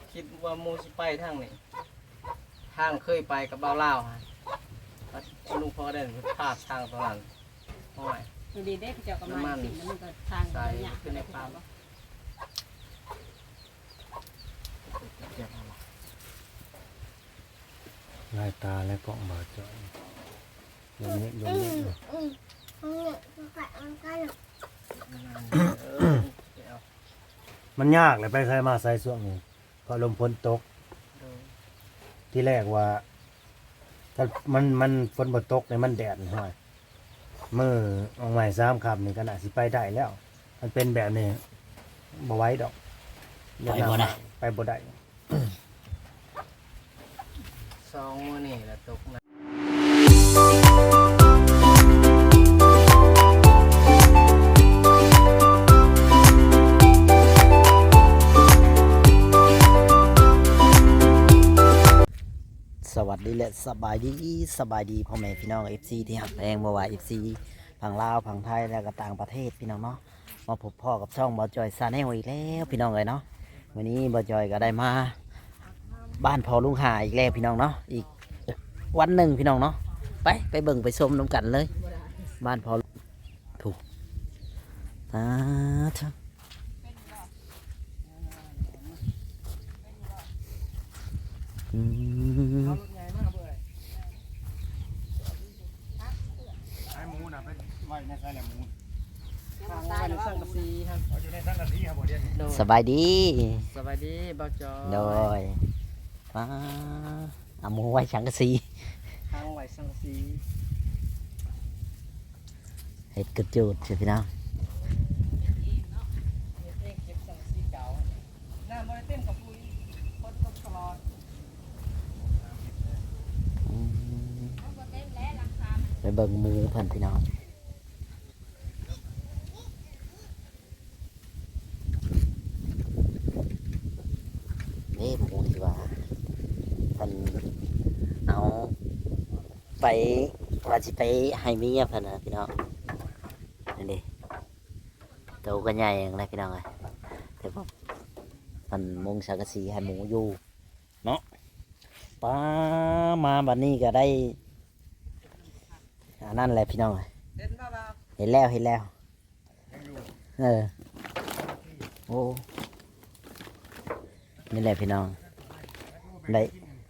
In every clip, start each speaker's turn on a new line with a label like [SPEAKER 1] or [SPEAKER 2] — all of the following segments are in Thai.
[SPEAKER 1] คิดว่ามูสิไปทางนี้ทางเคยไปกับเบาเล่าวฮะลุงพ่อได้พลาดทางตรงนั้นห้อย
[SPEAKER 2] ดีได้เจ้ากำลังสิ่งนั้นมันก็ทางระยะขึ้นในป่าบ่
[SPEAKER 3] ลายตาและกล่องบาดจ่อยยมเนี้ยมันยากเลยไปใส่มาใส่ช่วงนี้ก็ลมฝนตกที่แรกว่าถ้ามันฝนบ่ตกเนี่ยมันแดดห้อยมือออกใหม่3ค่ำนี่ก็น่าสิไปได้แล้ว มันเป็นแบบนี้บ่ไหว้ดอกไปบ่ได้
[SPEAKER 1] สองมื้อนี่แหละตกนะ
[SPEAKER 4] สวัสดีและสบายดีพ่อแม่พี่น้อง FC ที่หักแพงบ่ว่า FC พังลาวพังไทยและก็ต่างประเทศพี่น้องเนาะมาพบพ่อกับช่องบ่จอยซาแนลอีกแล้วพี่น้องเลยเนาะวันนี้บ่จอยก็ได้มาบ้านพ่อลุงหาอีกแล้วพี่น้องเนาะอีกวันหนึ่งพี่น้องเนาะไปเบิ่งไปชมน้ำกันเลยบ้านพ่อถูก
[SPEAKER 3] ไอ้หมูน่ะไปไว้ในไส้แหลมหมู
[SPEAKER 1] ทางวันสังกะสีครับ
[SPEAKER 3] อยู่ในสังกะสีครับบ่เดี๋ยวนี้
[SPEAKER 4] สบายดี
[SPEAKER 1] สวัสดีบ่าวจอย
[SPEAKER 4] โดยเอาหมูไว้ฉังกะสี
[SPEAKER 1] ทางไว้สังกะสี
[SPEAKER 4] เห็ดกระจูดใช่พี่น้อง
[SPEAKER 1] เองเก็บสังกะสีเก่าน้ำบ่ได้เต็มกับปุ๋ยคนตกตลอด
[SPEAKER 4] ไปเบิ่งมือเพิ่นพี่น้องนี่หมูดีกว่าเพิ่นเอาไปว่าสิไปให้เมียเพิ่นนะพี่น้องนี่ดิโตก็ใหญ่อย่างไรพี่น้องเลยแต่ว่ามันมุงสังกะสีให้หมูอยู่เนาะป้ามาบัดนี้ก็ได้อันนั้นแหละพี่น้อง
[SPEAKER 1] เห็นบ่บ่าว
[SPEAKER 4] เห็นแล้วโอ้นี่แหละพี่น้องได้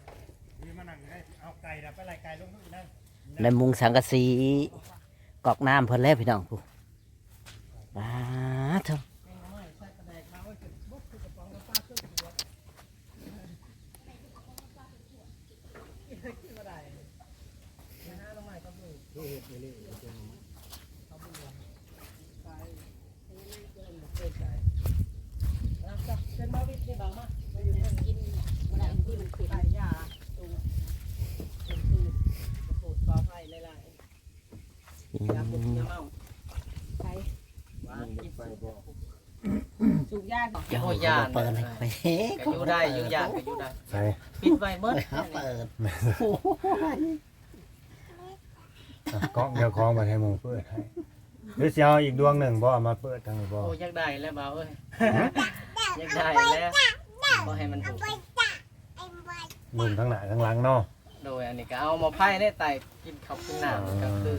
[SPEAKER 4] ในมุงสังกะสีกอกน้ำเพิ่นแล้วพี่น้องผู้ว้าเถอะ
[SPEAKER 1] เป็นบ่วิทย์นี่บางมากมาอยู่กินบ่ได้ที่มันคือไก่ยาตูเป็นคือโปรดขออภัยหลายๆยาปลุกยาเมา
[SPEAKER 2] ไป
[SPEAKER 1] ว่ากินไปบ่
[SPEAKER 2] สูบยาก่อน
[SPEAKER 4] เจ้าเปิดให้ไป
[SPEAKER 1] ก็อยู่ได้อยู่ยากก็อยู่ได้
[SPEAKER 3] ใส่
[SPEAKER 1] ปิดไว้เบิด
[SPEAKER 4] เปิด
[SPEAKER 3] กล้องเดี๋ยวคล้องไปให้หมูเปิดให้หรือสิเอาอีกดวงหนึ่งบ่เอามาเปิดทางนี้บ่
[SPEAKER 1] โอ้อยากได้แล้วบ่าวเอ้ยอยากได้แล้วบ่ให้มันถูก
[SPEAKER 3] มุมทั้งหน้าทั้งหลังเนาะ
[SPEAKER 1] โดยอันนี้ก็เอามาไผ่ได้ไต่กินข้าวกินน้ำก็คือ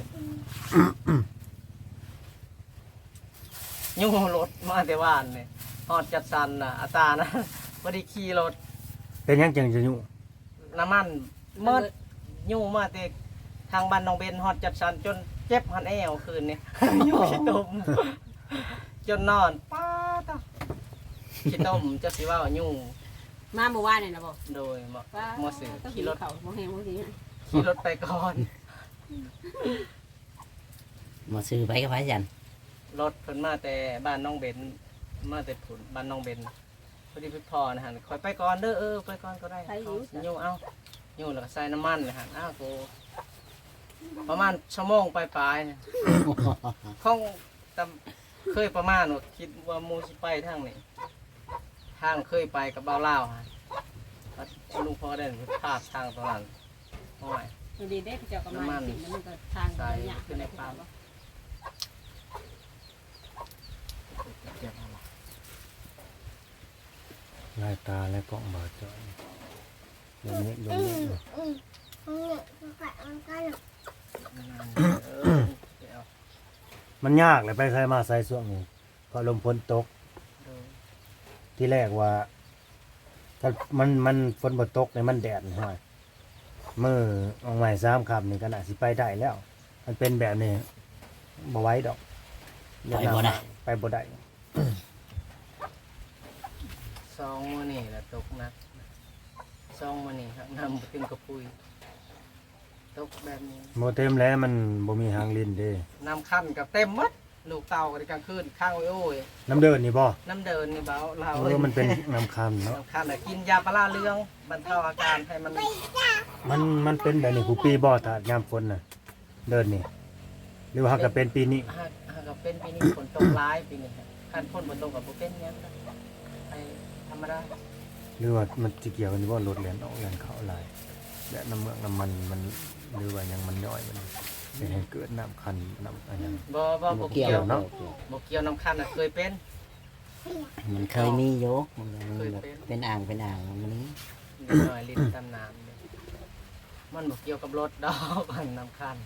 [SPEAKER 1] ยู่รถมาแต่ว่านนี่ฮอดจัดสันน่ะอาตานะบ่ได้ขี่รถ
[SPEAKER 3] เป็นยังจึงจะอยู่
[SPEAKER 1] น้ำมันเมิดยู่มาแต่ทางบ้านน้องเบนฮอดจัดสันจนเจ็บหันแอวคืนนี่ ยู่ขี้ตมจนนอนป้าตาขี้ตมจะสิว่ายู่
[SPEAKER 2] มาเมื่อวานนี่นะบ่
[SPEAKER 1] โดยมอสือขี่รถ
[SPEAKER 2] เขาบ่แห้งบ่ดี
[SPEAKER 1] ขี่รถไปก่อน
[SPEAKER 4] มาซื้อไปกับไผจัน
[SPEAKER 1] รถเพิ่นมาแต่บ้านน้องเบนมาแต่ผุนบ้านน้องเบนพอดีไปพอนะฮะคอยไปก่อนเด้อไปก่อนก็ได้ยู่เอายู่แล้วก็ใส่น้ำมันนะฮะอ้าวโกประมาณชั่วโมงปลายๆข้องแต่เคยประมาณว่าคิดว่ามูสิไปทางนี้ทางเคยไปกับเบาเล่าวฮะลุงพ่อได้พลาดทางตรงนั้นห้อย
[SPEAKER 2] ดีได้เจ้ากำลังสิ่งนั้นมันก็ทางระยะขึ้นในป่าบ่
[SPEAKER 3] ยลายตาและกล้องบาดจอยยมเนี้ยอยู่
[SPEAKER 1] เดี๋ยว
[SPEAKER 3] มันยากเลยไปใส่มาใส่ช่วงนี้พอลมฝนตก
[SPEAKER 1] ดู
[SPEAKER 3] ที่แรกว่าถ้ามันฝนบ่ตกเนี่ยมันแดดห้อยมื้อออกใหม่3ค่ำนี่ก็น่าสิไปได้แล้ว มันเป็นแบบนี้บ่ไหว้ดอก
[SPEAKER 4] ไปบ่ได้
[SPEAKER 3] ไปบ่ได้
[SPEAKER 1] 2 มื้อนี่แหละตกหนัก2 มื้อนี่ครับน้ำเต็มกระปุยตกแบบนี้
[SPEAKER 3] บ่เต็มแล้วมันบ่มีหางลิ้นเด้
[SPEAKER 1] น้ำคั่นกับเต็มหมดลูกเต่ากันกลางคืนข้างโอ้ย
[SPEAKER 3] น้ำเดินนี่บ่
[SPEAKER 1] น้ำเดินนี่เบาเรา
[SPEAKER 3] มันเป็นน้ำคันเนาะ
[SPEAKER 1] น้ำคั่นน่ะกินยาปลาเรืองบรรเทาอาการให้มัน
[SPEAKER 3] มันเป็นแบบนี้กูปีบ่ถ้ายามฝนน่ะ เดินนี่หรือว่าก็เป็นปีนี้
[SPEAKER 1] หากเป็นปีนี้ฝนตกร้ายปีนี้ครับคันฝนบ่ตกกับบ่เป็นหยังนะไปธรรมดา
[SPEAKER 3] หรือว่ามันสิเกี่ยวกันว่ารถแล่นออกแล่นเข้าหลายและน้ำเมืองน้ำมันหรือว่าหยังมันย่อยมันสิให้เกิดน้ำคันน้ำอะไรหยัง
[SPEAKER 1] บ่
[SPEAKER 4] เกี่
[SPEAKER 1] เกี่
[SPEAKER 4] ย
[SPEAKER 1] ยว ว
[SPEAKER 3] เนาะ
[SPEAKER 1] บ่เกี่ยวน้ำคั่นน่ะเคยเป็น
[SPEAKER 4] มันเคยมีอยู่มันแบบเป็นอ่างมันนี้
[SPEAKER 1] นิดหน่อยลิ้นตำน้ำเนี่ยมันบ่เกี่ยวกับรถดอกมันน้ำคั่น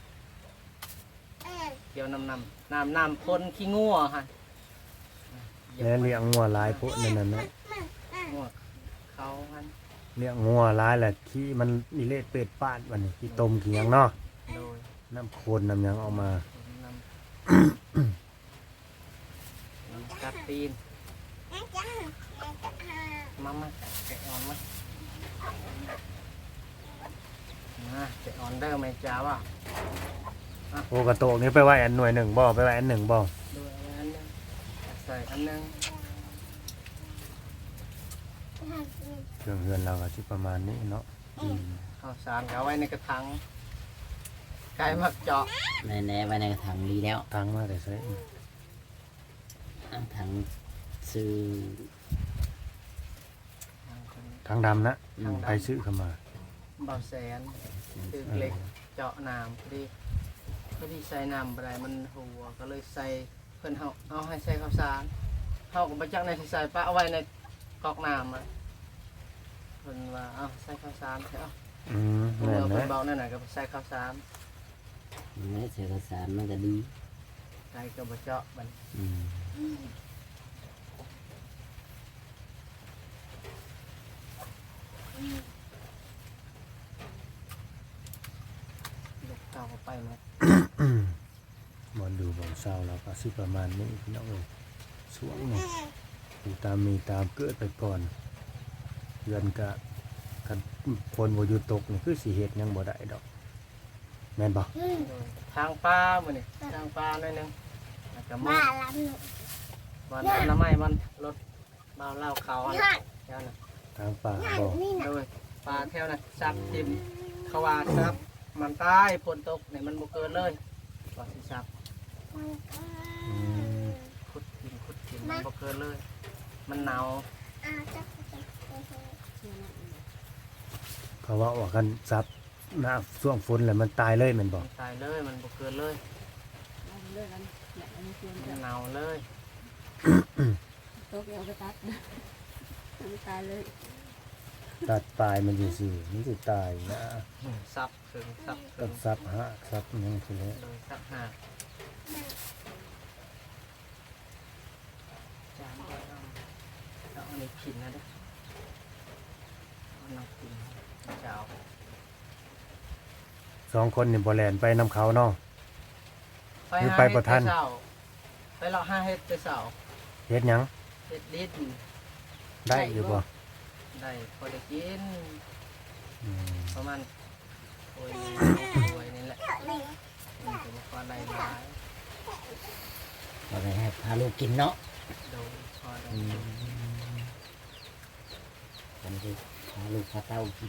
[SPEAKER 1] เกี่ยวน้ำพ่นขี้งัวฮะ
[SPEAKER 3] แล้วเลี้ยงงัวหลายพวกนั่นน่ะนะ
[SPEAKER 1] งัวเขาหัน
[SPEAKER 3] เลี้ยงงัวหลายแหละขี้มันนิเลศเป็ดปาดวันนี้ขี้ต้มขี้หยังเนาะ
[SPEAKER 1] โดย
[SPEAKER 3] น้ำโคนน้ำหยังเอามา
[SPEAKER 1] น้ำกัดตีนมาแกะอ่อนมาแกะอ่อนได้ไหมจ้าว่ะ
[SPEAKER 3] โอกระโตกนี้ไปไว้อันหน่วยหนึ่งบ่ไปไว้อันหนึ่งบ่
[SPEAKER 1] ดูอันนึงใส่อันนึง
[SPEAKER 3] เครื่องเฮือนเราก็สิประมาณนี้เนาะ
[SPEAKER 1] ข้าวสารเอาไว้ในกระถางไก่มักเจาะ
[SPEAKER 4] ในไว้ในกระถางดีแล้ว
[SPEAKER 3] ทางมาแต่ใส่
[SPEAKER 4] ถังซื้อ
[SPEAKER 3] ทางดำนะไปซื้อเข้ามา
[SPEAKER 1] เบาแสนตึกเล็กเจาะน้ำพอดีใส่น้ำอะไรมันหัวก็เลยใส่เพิ่นเอาให้ใส่ข้าวสารเขาก็มาจักในที่ใส่ปะเอาไว้ในกอกน้ำอ่ะเพิ่นว่าเอาใส่ข้าวสารใช่เอา เพิ่
[SPEAKER 3] แม่น
[SPEAKER 1] น
[SPEAKER 3] นะ
[SPEAKER 1] เบานั่นน่ะก็ใส่ข้าวสาร
[SPEAKER 4] ไม่เสียกระสานมันก็ดี
[SPEAKER 1] ไก่ก็บ่เจาะมัน
[SPEAKER 4] อืม
[SPEAKER 1] ลูกเต่าก็ไปหมด
[SPEAKER 3] บอลดูบอลเศร้าเราก็สิประมาณนี้พี่น้องเอ้ยสวงนี่อยู่ตามมีตามเกิดไปก่อนเดือนกะกันคนบ่อยู่ตกนี่คือสิเฮ็ดหยังบ่ได้ดอกแม่นบ่
[SPEAKER 1] ทางปลามื้อนี่ทางปลาหน่อยหนึงแล้วก็มื้อวันอนามัยวันรถบ่าวเล่าเขาอันนั้นแถวนั้น
[SPEAKER 3] ทางป่าบ่
[SPEAKER 1] โดยปลาแถวนั้นซับทิ่มเขาว่าซับมันตายฝนตกนี่มันบ่เกินเลยว่าสิซับ
[SPEAKER 3] อืม
[SPEAKER 1] ขุดกินมันบ่เกินเลย มันหนาว
[SPEAKER 3] เขาว่ากันซับหน้าช่วงฝนแล้วมันตายเลยแม่นบ่
[SPEAKER 1] มันตายเลยมันบ่เกินเลย
[SPEAKER 2] เอาเลิกกันแหละอันนี้เตรียม
[SPEAKER 1] มันหนาวเลย
[SPEAKER 2] โต๊ะเอาไปตัดมันตายเลย
[SPEAKER 3] ตัดปลายมันซื่อๆมันสิตายนะ
[SPEAKER 1] ซับถึงซับถึ
[SPEAKER 3] ต้อง
[SPEAKER 1] ง
[SPEAKER 3] ซับหะซับหยังสิแหล้ว
[SPEAKER 1] โดยซับหาจานก็เอาอันนี้กินนะเด้อเอาน้ำกินจะเอา
[SPEAKER 3] สองคนนี่บ่แล่นไปนํเขาเนาะ หรือ
[SPEAKER 1] หา
[SPEAKER 3] ไปบ่ทัน
[SPEAKER 1] เฮ็ดแต่เช้าไปเลาะหาเฮ็ดแต่เช้า
[SPEAKER 3] เฮ็ดหยัง
[SPEAKER 1] เฮ็ดลิ้น
[SPEAKER 3] ได้อยู่บ่
[SPEAKER 1] ได้พอได้กิน
[SPEAKER 3] อืม
[SPEAKER 1] ประมาณโอ้ยโอ้ยนี่แหละมันก็บ่พอได้หลาย
[SPEAKER 4] ก็ไปให้พาลูกกินเนาะ
[SPEAKER 1] โดยพอได้
[SPEAKER 4] อืมผมจะพาลูกพาเต้ากิน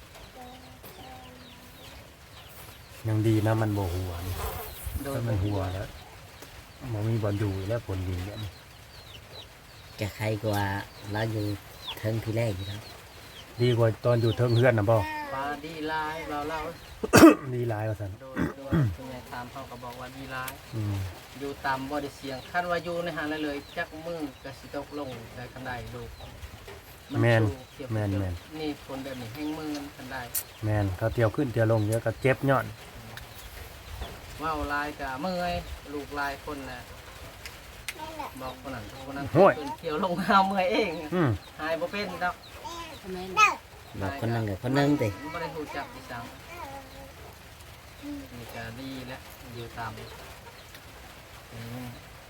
[SPEAKER 3] ยังดีนะมันบ่หัวนี่
[SPEAKER 1] โดย
[SPEAKER 3] ถ้ามันหัวแล้วบ่มีบ่อนอยู่แล้วผลดินเนี่ย
[SPEAKER 4] แกใครกว่าเราอยู่เทิงที่แรกอยู่แล้ว
[SPEAKER 3] ดีกว่าตอนอยู่เทิงเฮือนน่ะบ่
[SPEAKER 1] ปลาดีหลายเราเล่า
[SPEAKER 3] ดีหลายว่าซั่น
[SPEAKER 1] โดยคุณยายถามเขาก็บอกว่าดีหลาย
[SPEAKER 3] อืม
[SPEAKER 1] อยู่ตามบ่ได้เสียงคันว่าอยู่ในหาเลยจักมือก็สิตกลงได้กันได้ลูกมัน
[SPEAKER 3] แม่น
[SPEAKER 1] สู้เทียบ
[SPEAKER 3] แม่น
[SPEAKER 1] เทียบ
[SPEAKER 3] แม่น
[SPEAKER 1] นี่คนแบบนี้แห้งมือกันได้
[SPEAKER 3] แม่นเขาเตียวขึ้นเตียวลงเยอะก็เจ็บย้อน
[SPEAKER 1] ว่าวลายกับเมื่อยลูกลายคนน่ะบอกคนนั้นคนนั้น
[SPEAKER 3] โอ้ย
[SPEAKER 1] เพิ่นเที่ยวลงหาเมื่อยเอง
[SPEAKER 3] อืม
[SPEAKER 1] หายบ่เป็นดอก
[SPEAKER 2] ทำไม
[SPEAKER 4] บอกคนนึงกับคนนึงติ
[SPEAKER 1] บ่ได้รู้จักอีสังนี่ก็ดีแล้วอยู่ตามอืม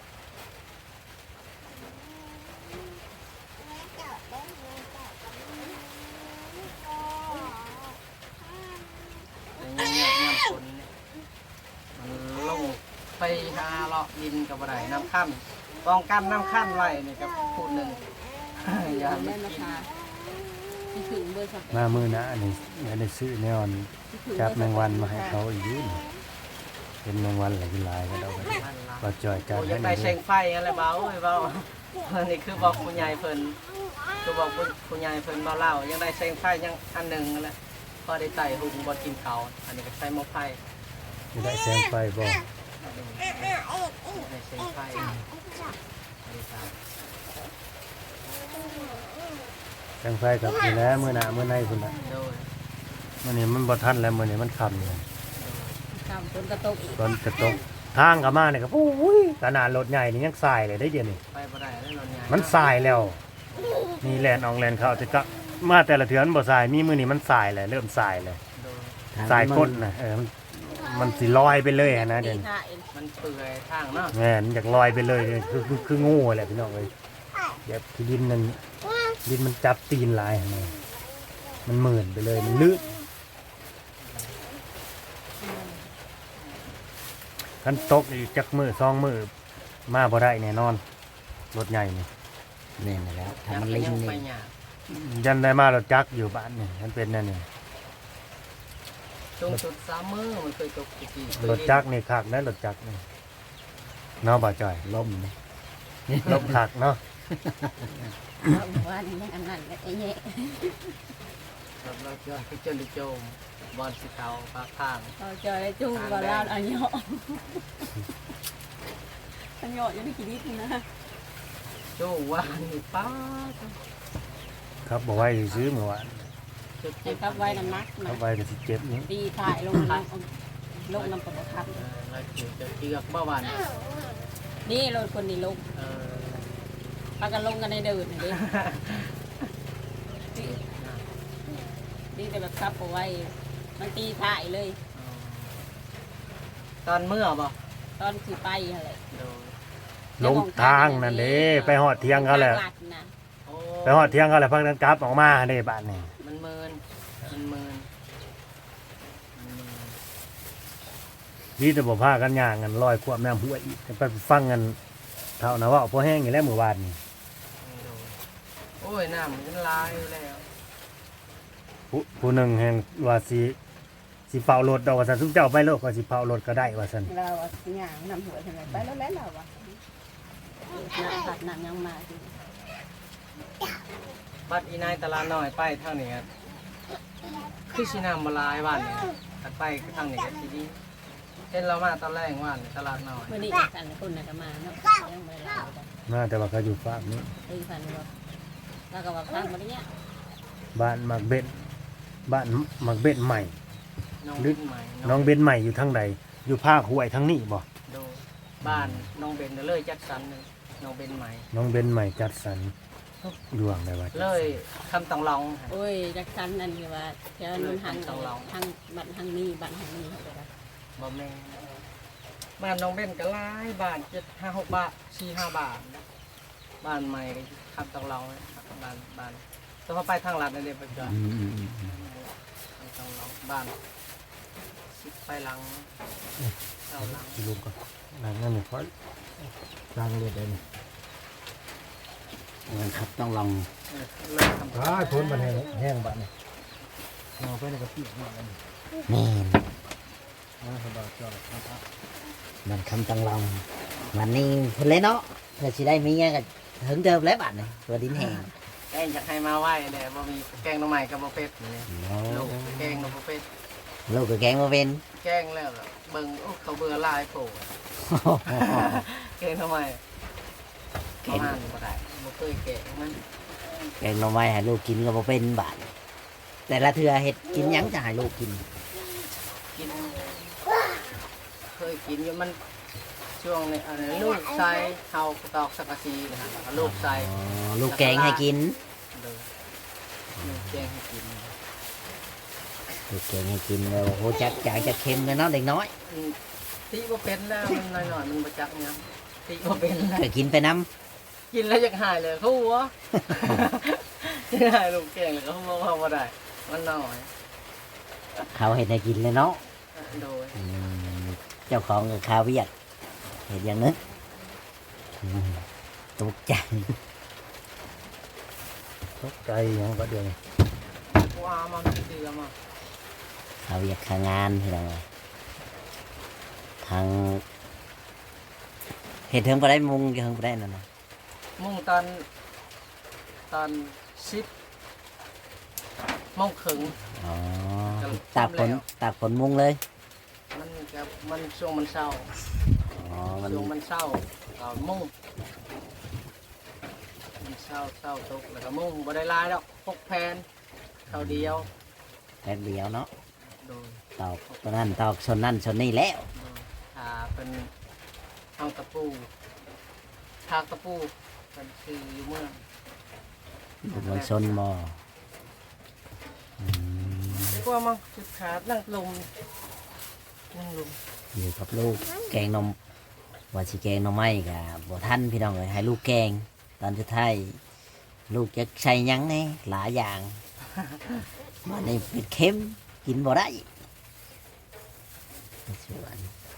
[SPEAKER 1] แต่ยังคนเนี่ยมันลงไปหาเลาะดินกับอะไรน้ำขั้นป้องกันน้ำขั้นไว้นี่ก็พูดหนึ่ง อย่า
[SPEAKER 2] แม่
[SPEAKER 1] ไม่
[SPEAKER 2] มา
[SPEAKER 1] กิน
[SPEAKER 2] ทาที่ถึงเบอร์สเป
[SPEAKER 3] มามือหนะอันนี้อันนี้ซื้อแนวอันจับแมงวันมาให้เขาอีกอยืนเป็นแมงวันหลายลายก็ได้
[SPEAKER 1] นั่นล่ะ
[SPEAKER 3] ก็จ่อยจัด
[SPEAKER 1] โอ้ย
[SPEAKER 3] ให้
[SPEAKER 1] ยัง
[SPEAKER 3] หน่
[SPEAKER 1] ได้
[SPEAKER 3] อย
[SPEAKER 1] เชงไฟอะไรเบาเอ้ยเบานี่คือบอกคุณยายเพิ่นคือบอกคุณยายเพิ่นเบาเล่ายังได้เชงไฟยังอันหนึ่งนั่นแหละพอได้ไต่หุงบนกินเขาวอันนี้ก็ใช้หม้อไฟ
[SPEAKER 3] ไม่ได้แสงไฟบ่
[SPEAKER 1] ได้เชงไฟดีครับ
[SPEAKER 3] แสงไฟกับนี่แหล้วมือหน้ามือในพุ่นน่ะ
[SPEAKER 1] โดย
[SPEAKER 3] มื้อนี้มันบ่ทันแล้วมื้อนี้มันค่ำเลย
[SPEAKER 2] ทำต้นกระตกอีก
[SPEAKER 3] ตอนจะตกทางก็มาเนี่ยก็โอ้ยขนาดรถใหญ่นี่ยังสายเลยได้เดี๋ยวนี้
[SPEAKER 1] ไปบ่ได้แล้วนอนยาย
[SPEAKER 3] มันสายแล้วนี่แลนออกแลนเข้าแต่ก็มาแต่ละเทือนบ่สายมีมื้อนี้มันสายเลยเริ่มสายเลย
[SPEAKER 1] โดย
[SPEAKER 3] สายก้นน่ะมันสิลอยไปเลยอะนะเดี๋ยวนี้
[SPEAKER 2] ท่าเอง
[SPEAKER 1] มันเปื่อยทางเนาะ
[SPEAKER 3] แม่นอยากลอยไปเลยเนี่ยคือโง่แหละพี่น้องเอ้ยแบบที่ดินนั่นดินมันจับตีนหลายหั่นน่ะมันหมื่นไปเลยมันลื่นคันตกอีกจักมือสองมือมาบ่ได้แน่นอนรถใหญ่นี่
[SPEAKER 4] แม่นแล้วถ้ามันลิง
[SPEAKER 1] ไป
[SPEAKER 4] นี่
[SPEAKER 1] หยา
[SPEAKER 3] ยันได้มารถจักรอยู่บ้านนี่มันเป็นนั่นนี่
[SPEAKER 1] จงสุดสามมือมันเคยตกกี่
[SPEAKER 3] รถจักรนี่คักนะรถจักรนี่เนาะบ่จ่อย
[SPEAKER 4] ล่มนะ
[SPEAKER 3] ลบคักเนาะ
[SPEAKER 2] ว่านี่ยังอันนั้นและไอ้เนี่ย
[SPEAKER 1] เราเจอเจอลิโจมบอลสีขาวปลาข้าง
[SPEAKER 2] เราเจอได้จุ้งเราลาดอันเหยาะอันเหยาะยังไม่กี่นิดนะ
[SPEAKER 1] โจว่านี่ป้า
[SPEAKER 3] ครับบอกไว้ซื้อเมื่อวาน
[SPEAKER 1] จุด
[SPEAKER 2] ให้กับไว้น้ำหนัก
[SPEAKER 3] ครั
[SPEAKER 2] นะ
[SPEAKER 3] บไว้ก็สิเจ็บนี่
[SPEAKER 2] ตีถ่ายลงน้ำลงน้ำปลาคับ
[SPEAKER 1] เราจะเจือกเมื่อวาน
[SPEAKER 2] นี่รถคนนี้ลงพากันลงกันในเดินนี่นี่แต่แบบคับเอาไว้มันตีถ่ายเลย
[SPEAKER 1] ตอนเมื่อบ่
[SPEAKER 2] ตอนคือไปอะไร
[SPEAKER 1] โดย
[SPEAKER 3] ลงทางนั่นเด้ไปหอดเที่ยงเขาแหละ
[SPEAKER 1] โอ้
[SPEAKER 3] ไปหอดเที่ยงเขาแหละพักนั้นกลับออกมาเด้บ้านนี่
[SPEAKER 1] มันเมินมันเมิน
[SPEAKER 3] ดีแต่บ่พากันย่างกันลอยควบน้ำห้วยอีกไปฟังกันเท่านะว่าพอแห้งอยู่แล้วเมื่อวานนี่
[SPEAKER 1] โอ้ยน้ำมันลายแล้ว
[SPEAKER 3] ผู้หนึ่งแห่งว่าสิเป่ารถดอกว่าซั่นซุมเจ้าไปโลกก็สิเป่ารถก็ได้ว่าซั่น
[SPEAKER 2] เราอย่างนำหัวทำไมไปแล้วแล้วเราอะน้ำผัดน้ำยังมา
[SPEAKER 1] บัดอีนายตลาดน้อยไปเท่านี้คือสิน้ำมาลายวันนี่ถัดไปทางนี้ก็ทีนี้เห็นเรามาตอนแรกวันตลาดน้อย
[SPEAKER 2] วันนี้กันคนน่ะก็มาเนาะยังไม่ได้
[SPEAKER 3] น่าแต่ว่าเขาอยู่ฝากนี้
[SPEAKER 2] เอ้ยพันว่าแล้วก็ว่าฟังมาเนี่ย
[SPEAKER 3] บ้านมักเบ็ดบ้านมักเบ็ดใหม่
[SPEAKER 1] น้องเบนใหม่
[SPEAKER 3] น้องเบนใหม่อยู่ทางใดอยู่ภาคห้วยทางนี้บ่
[SPEAKER 1] ดูบ้านน้องเบนเลยจัดสรรเลยน้องเบนใหม่
[SPEAKER 3] น้องเบนใหม่จัดสรรดวงได้ว่าจัดสรร
[SPEAKER 1] เลยคำต้องลอง
[SPEAKER 2] โอ้ยจักสันนั่นคือว่าเจ้านุ่นหันทางบัตรทางนี้บัตรทางนี้เขาไปได้
[SPEAKER 1] บ่แม่บ้านน้องเบนก็หลายบ้าน7-5-6 บาท4-5 บาทบ้านใหม่คำต้องลองบ้านแต่พอไปทางลัดนั่นเองไปก่อน ต้องลองบ้านสิไปหลังเอาหลัง
[SPEAKER 3] ที่ลุงก็นั่นนั่นนี่ค่อยล้างเลือดได้นี่
[SPEAKER 4] มันครับต้องลอง
[SPEAKER 1] เริ่มทำ
[SPEAKER 3] พ้นมันแห้งบ้านนี่เอาไปในกระปิหมดแล้วนี่
[SPEAKER 4] แม่น
[SPEAKER 3] สบายจอดครับ
[SPEAKER 4] มันคำต้องลองวันนี้เพิ่นเลยเนาะเพื่อสิได้มีเงี้ยก็ถึงเดิมแล้วบัดนี่ตัวดินแห้ง
[SPEAKER 1] แกงอยากให้มาไหวเนี่ยบ่มีแกงหน่อไม้กับบ่เป็ดนี่ลูกแกงกับบ่เป็ด
[SPEAKER 4] ลูกก็แกงมาเป็น
[SPEAKER 1] แกงแล้วล่ะเบิ่งโอ้เขาเบื่อหลายโผล่แกงหน่อไม้ประมาณบ่ได้บ่เคยแกงมัน
[SPEAKER 4] แกงหน่อไม้ให้ลูกกินก็บ่เป็นบาดแต่ละเทื่อเฮ็ดกินหยังจะให้ลูกกิน
[SPEAKER 1] กินเคยกินอยู่มันช่วงนี้อะไรลูกใส่เฮาตอกสักกะซีนะฮะลูกใส่
[SPEAKER 4] อ๋อลูกแกงให้กิน
[SPEAKER 1] เลยลูกแกงให้กิน
[SPEAKER 4] ลูกแกงให้กินแล้วโหจักจางจะเค็มเลยเนาะเด็กน้อย
[SPEAKER 1] ตีบ่เป็นแล้วมันหน่อยๆมันบ่จักเนี่ยตีบ่เป็นแล้ว
[SPEAKER 4] ก็กินไปน้
[SPEAKER 1] กินแล้วอยากหายเลยเขาหัวอยากหายลูกแกงเลยเขาบอกว่าบ่ได้มันน้อย
[SPEAKER 4] ำเขาเห็ดให้กินเลยเนาะ
[SPEAKER 1] โดย
[SPEAKER 4] อืมเจ้าของกับข้าวเวียดเห็ดอย่างนึงอืมตกใจ
[SPEAKER 3] ตกใจหยังก็เดี๋ยวนี้
[SPEAKER 1] ว้ามันเดือมา
[SPEAKER 4] ข้าวเวียดข้างงานพี่น้องเอ้ยทางเห็ดเทิงไปได้มุงเทิงไปได้นั่นนะ
[SPEAKER 1] มุ่งตอน10 โมงครึ่ง
[SPEAKER 4] อ๋อ
[SPEAKER 1] ก็
[SPEAKER 4] ตากฝน
[SPEAKER 1] แล้ว
[SPEAKER 4] ตากฝนมุงเลย
[SPEAKER 1] มันช่วงมันเศร้า
[SPEAKER 4] อ๋อมัน
[SPEAKER 1] ช่วงมันเศร้าก็มุ่งมันเศร้าตกแล้วก็มุ่งบ่ได้หลายดอก6 แผ่นเท่าเดียว
[SPEAKER 4] แป๊บเดียวเนาะ
[SPEAKER 1] โดย
[SPEAKER 4] ตอกตัวนั้นตอกชนนั่นชนนี่แล้ว
[SPEAKER 1] ถ้าเป็นเอาตะปูทากตะปูเป็นคืออยู่เมือง
[SPEAKER 4] มันชนบ่อืม
[SPEAKER 1] ดีกว่ามั้งจุดขาดนั่งลมนั่งลม
[SPEAKER 4] อยู่กับลูกแกงนมว่าสิแกงหนมไม้กับบ่ทันพี่น้องเลยให้ลูกแกง ตอนสุดท้ายลูกจะใส่หยังไงหลายอย่างมันนี่เป็นเค็มกินบ่ได้สวน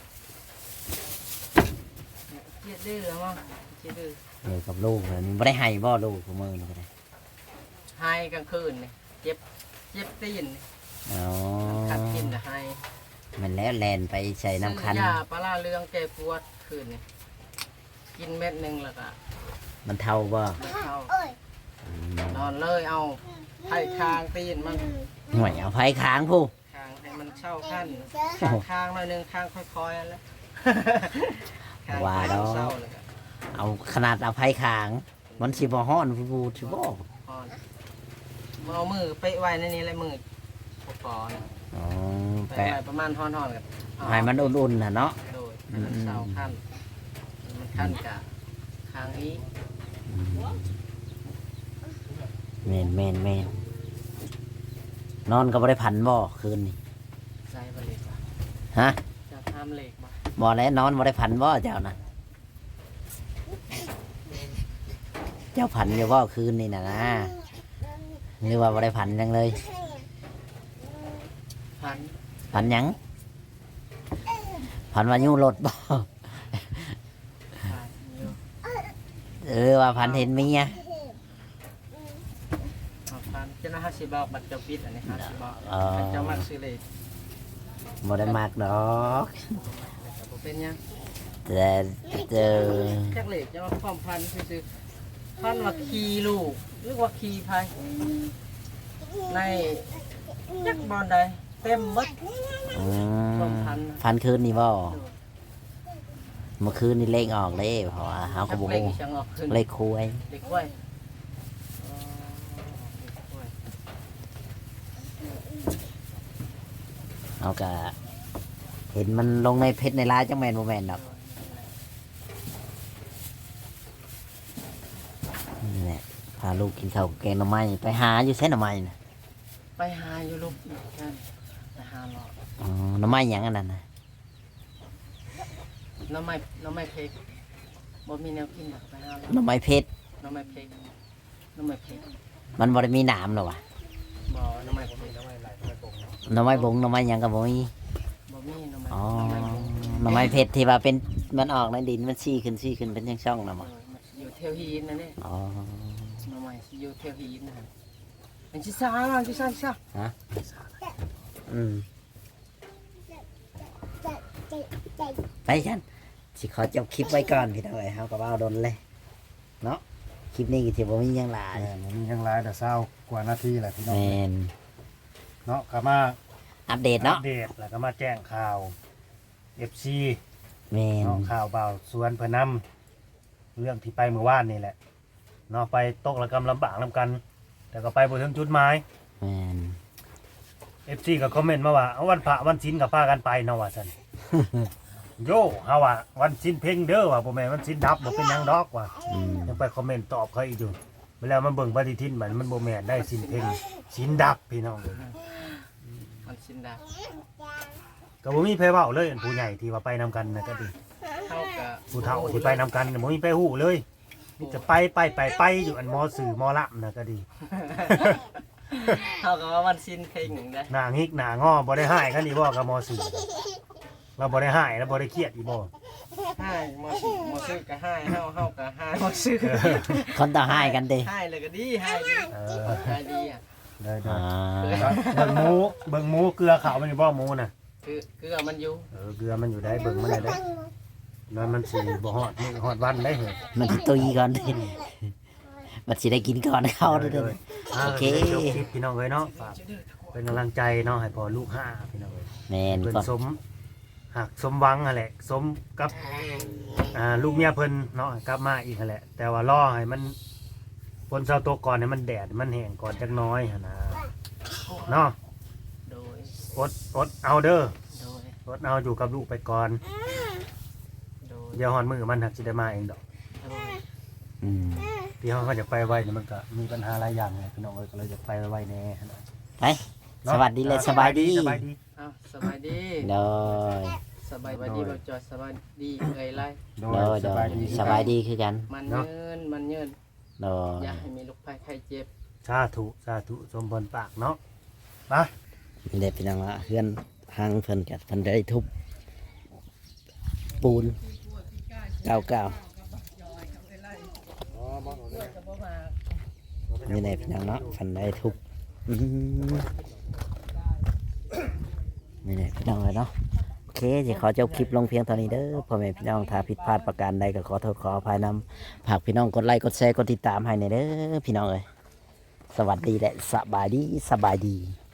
[SPEAKER 1] เจี๊ยดดื้อแล้วมั้งเจี๊ยดดื้อ
[SPEAKER 4] อยู่กับลูกเลยนี่บ่ได้ให้บ่ลูกของมือนี่ก็ได้
[SPEAKER 1] ให้กลางคืนนี่เจ็บตีนนี่
[SPEAKER 4] อ๋อ
[SPEAKER 1] คัดกินแต่ให้
[SPEAKER 4] มันแล้วแลนไปใส่น้ำคั้น
[SPEAKER 1] ซื้อยาปลาร้าเรืองแก้ปวดคืนนี่กินเม็ดหนึ่งแล้วก็
[SPEAKER 4] มันเท่าบ่
[SPEAKER 1] ไม่เข้า
[SPEAKER 4] อืม
[SPEAKER 1] นอนเลยเอาไผ่คางตีนมัน
[SPEAKER 4] หน่วยเอาไฟค้างผู้
[SPEAKER 1] คางให้มันเช่าขั้นคางหน่อยหนึงคางค่อยๆแล้วคาง
[SPEAKER 4] ว่าดอก
[SPEAKER 1] เศร้าเลยก็
[SPEAKER 4] เอาขนาดเอาไฟค้าง มันสิบ่ฮ้อนฟูสิบ่
[SPEAKER 1] พอนเอามือไปไว้ในนี้เลยมือพอๆนะ
[SPEAKER 4] อ๋อ
[SPEAKER 1] ไป
[SPEAKER 4] แปะ
[SPEAKER 1] ไว้ประมาณห่อนๆกัน
[SPEAKER 4] ให้มันอุ่นๆน่ะเนาะ
[SPEAKER 1] โดยให้มันเศร้าขั้นมันขั้นกะคางอี
[SPEAKER 4] แม่นแม่นแม่นนอนก็บ่ได้พันบ่คืนนี่
[SPEAKER 1] ใส่บะเล็กว่ะ
[SPEAKER 4] ฮะ
[SPEAKER 1] จะทำเหล็กบ่
[SPEAKER 4] บ่แล้วนอนบ่ได้พันบ่เจ้านะเจ้าพันอยู่บ่คืนนี่น่ะนะหรือว่าบ่ได้พันจังเลย
[SPEAKER 1] พัน
[SPEAKER 4] พันหยังพันว่ายู่รถบ่
[SPEAKER 1] พันอยู่
[SPEAKER 4] ว่าพันเห็นเมีย
[SPEAKER 1] เอาพันเจ้าหน้าที่บอกบัตรเจ้าปิดอันนี้50บอก
[SPEAKER 4] อ๋อ
[SPEAKER 1] เจ้ามักซื้อเหล็ก
[SPEAKER 4] บ่ได้มากดอก
[SPEAKER 1] แต่บ่เป็นหยัง
[SPEAKER 4] แต่เจอ
[SPEAKER 1] จักเหล็กจะมาพร้อมพันซื้อๆพันว่าขี่ลูกหรือว่าขี่พายในจักบอลใดเต็มหมด
[SPEAKER 4] อื
[SPEAKER 1] พร้อ
[SPEAKER 4] ม
[SPEAKER 1] มพัน
[SPEAKER 4] พันคืนนี่บ่เมื่อคืนนี่เลขออกเลยเพราะว่าเฮาก็
[SPEAKER 1] จัก
[SPEAKER 4] บ่
[SPEAKER 1] เหล็ก
[SPEAKER 4] ฮู้
[SPEAKER 1] อีจังออกขึ้น
[SPEAKER 4] เลขคุย
[SPEAKER 1] เด็กไว้อ๋อเด็กไว้
[SPEAKER 4] เอาก็เห็นมันลงในเพจในไลน์จังแม่นบ่แม่นดอกนี่แหละพาลูกกินข้าวกับแกงหน่อไม้ไปหาอยู่ไสหน่อไม้น่ะ
[SPEAKER 1] ไปหาอยู่ลูกนั่นไปหาหรอก
[SPEAKER 4] อ๋อหน่อไม้หยังอันนั้นน่ะ
[SPEAKER 1] น้ำไม้เพกบ่มีแนวกินหรอกไปหาหรอก
[SPEAKER 4] หน่อไม้เพชร
[SPEAKER 1] น้ำไม้เพกน้ำไม้เพก
[SPEAKER 4] มันบ่ได้มีหนามหรอวะ
[SPEAKER 1] บ่น้ำไม้บ่มีน้ำไม้ไหลน้ำไม้ปง
[SPEAKER 4] หน่อไม้บงหน่อไม้หยังก็บ่มี
[SPEAKER 1] บ่มีน้ำไม้
[SPEAKER 4] อ๋อ
[SPEAKER 1] น้ำไม้ปง
[SPEAKER 4] หน่อไม้เพชรที่ว่าเป็นมันออกในดินมันซี่ขึ้นเป็นช่องๆน่ะบ่
[SPEAKER 1] มันอยู่เทวฮีนนั่นนี่
[SPEAKER 4] อ๋อ
[SPEAKER 1] น้ำไม้สิอยู่เทวฮีนนะฮะอันที่ซ่าล่ะที่ซ่าที่ซ่า
[SPEAKER 4] อืมไปฉันสิขอจบคลิปไว้ก่อนพี่น้องเอ้ยเฮาก็เว้าดนเลยเนาะคลิปนี้ก็ถือว่ามีหยังหลาย
[SPEAKER 3] มันมีทั้งหลายแต่เศร้ากว่านาทีแหละพี่น้อง
[SPEAKER 4] แม่น
[SPEAKER 3] เนาะก็มา
[SPEAKER 4] อัปเดต
[SPEAKER 3] อั
[SPEAKER 4] เนาะ
[SPEAKER 3] ปเดตแล้วก็มาแจ้งข่าว FC
[SPEAKER 4] แม่น
[SPEAKER 3] เนาะข่าวเบาสวนเพนนำเรื่องที่ไปเมื่อวานนี่แหละเนาะไปตกระกำลำบากนำกัน แต่ก็ไปบ่ถึงจุดหมาย
[SPEAKER 4] แม่น
[SPEAKER 3] FC ก็คอมเมนต์มาว่าเอาวันพระวันศีลก็พากันไปเนาะว่าซั่น โยเฮาว่าวันศีลเพ่งเด้อว่าบ่แม่นวันศีลดับบ่เป็นหยังดอกว่า
[SPEAKER 4] อืม
[SPEAKER 3] ยังไปคอมเมนต์ตอบเขาอีกอยู่เวลามันเบิ่งปฏิทินมันบ่แม่นได้ศีลเพ่งศีลดับพี่น้องเอ้ย
[SPEAKER 1] มันชินดา
[SPEAKER 3] ก็บ่มีไผเว้าเลยอันผู้ใหญ่ที่ว่าไปนำกันน่ะก็ดี
[SPEAKER 1] เท่ากับ
[SPEAKER 3] ผู้เฒ่าที่ไปนำกันน่ะบ่มีไปฮู้เลยมีแต่ไปอยู่อันมอสื่อมอละน่ะก็ดี
[SPEAKER 1] เท่ากับว่าวันชินเพลงหนึ่งได้
[SPEAKER 3] หน้างิกหน้างอบ่ได้หายกันอีบ่กับมอสื่อเราบ่ได้หายแล้วบ่ได้เครียดอีบ่
[SPEAKER 1] ให้มอซื้อก็ให้เฮาก็ให้มอซื้อ
[SPEAKER 4] คนต่อให้กันเด้
[SPEAKER 1] ให้เลยก็ดีให้ดี
[SPEAKER 3] เอ
[SPEAKER 1] ให้ดีอ่ะ
[SPEAKER 3] ได้
[SPEAKER 4] อ่า
[SPEAKER 3] เบิ่งหมูเกลือขาวมันอยู่บ่หมูน่ะ
[SPEAKER 1] คือมันอยู่
[SPEAKER 3] เกลือมันอยู่ได้เบิ่งมันได้นั่นมันสิบ่ฮอดมื้อฮอดวันได้เหรอ
[SPEAKER 4] มันสิตุยก่อนเด้มันสิได้กินก่อนเข้าเด้อ โอเค
[SPEAKER 3] จบคลิปพี่น้องเอ้ยเนาะฝากเป็นกำลังใจเนาะให้พ่อลูกห้าพี่น้องเอ้ย
[SPEAKER 4] แม่น
[SPEAKER 3] เพิ่น
[SPEAKER 4] ก่อน
[SPEAKER 3] สมหวังนั่นแหละสมกับลูกเมียเพิ่นเนาะกลับมาอีกนั่นแหละ แต่ว่ารอให้มันฝนเช้าตกก่อนให้มันแดดมันแห้งก่อนจักหน้อยหั่นนะเนาะ
[SPEAKER 1] โดย
[SPEAKER 3] อดเอาเด้อ
[SPEAKER 1] โดย
[SPEAKER 3] อดเอาอยู่กับลูกไปก่อน
[SPEAKER 1] โดย
[SPEAKER 3] เดี๋ยวฮอนมือมันหักสิได้มาเองดอก
[SPEAKER 1] โดย
[SPEAKER 4] อืม
[SPEAKER 3] ที่เขาจะไปไว้เนี่ยมันก็มีปัญหาหลายอย่างไงพี่น้องเอ้ยก็เลยจะไปไว้แน่หั่นน่ะ
[SPEAKER 4] ไปสวัสดีเลยสบายดี
[SPEAKER 3] สบายดี
[SPEAKER 1] อ้าวสบายดี
[SPEAKER 4] โดย
[SPEAKER 1] สบายดีบ่จอดสบายดีเอ้ยไร
[SPEAKER 3] โด
[SPEAKER 4] โดย
[SPEAKER 3] ย
[SPEAKER 4] โด
[SPEAKER 3] สบาย
[SPEAKER 4] ย
[SPEAKER 3] ดี
[SPEAKER 4] สบายดีคือกัน
[SPEAKER 1] มันเยินมันเยิน
[SPEAKER 4] โดย
[SPEAKER 1] อย่าให้มีลูกภัยไข้เจ็บ
[SPEAKER 3] สาธุสมพรปากเนาะไป
[SPEAKER 4] นี่แหละพี่น้องละเพื่อนทางเพิ่นกับเพิ่นได้ทุบปูนเก่าๆนี่แหละพี่น้องเนาะเพิ่นได้ทุบอืมนี่แหละพี่น้องเลยเนาะโอเคจะขอจบคลิปลงเพียงเท่านี้เด้อพ่อแม่พี่น้องถ้าผิดพลาดประการใดก็ขอโทษขออภัยนำฝากพี่น้องกดไลค์กดแชร์กดติดตามให้ในอยเด้อพี่น้องเอ้ยสวัสดีและสบายดี